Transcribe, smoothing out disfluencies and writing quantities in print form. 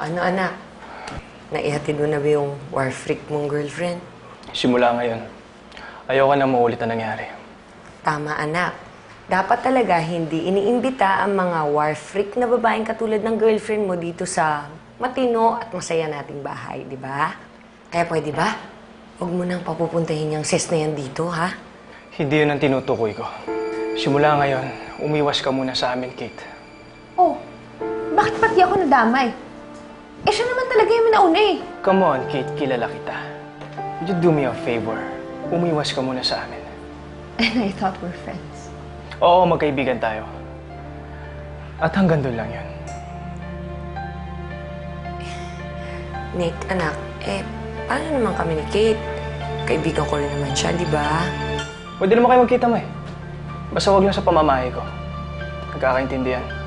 ano anak? Naihatid mo na ba yung war freak mong girlfriend? Simula ngayon, ayoko na maulit na nangyari. Tama anak. Dapat talaga hindi iniimbita ang mga war freak na babaeng katulad ng girlfriend mo dito sa matino at masaya nating bahay, di ba? Kaya pwede ba? Huwag mo nang papupuntahin yung sis na yan dito, ha? Hindi yun ang tinutukoy ko. Simula ngayon, umiwas ka muna sa amin, Kate. Oh, bakit pati ako nadamay? Eh, siya naman talaga yung nauna eh. Come on, Kate, kilala kita. Would you do me a favor? Umiwas ka muna sa amin. And I thought we're friends. Oo, magkaibigan tayo. At hanggang doon lang yun. Nick, anak, paano naman kami ni Kate? Kaibigan ko rin naman siya, di ba? Pwede naman kayo magkita mo eh. Basta wag lang sa pamamahay ko. Nagkakaintindihan.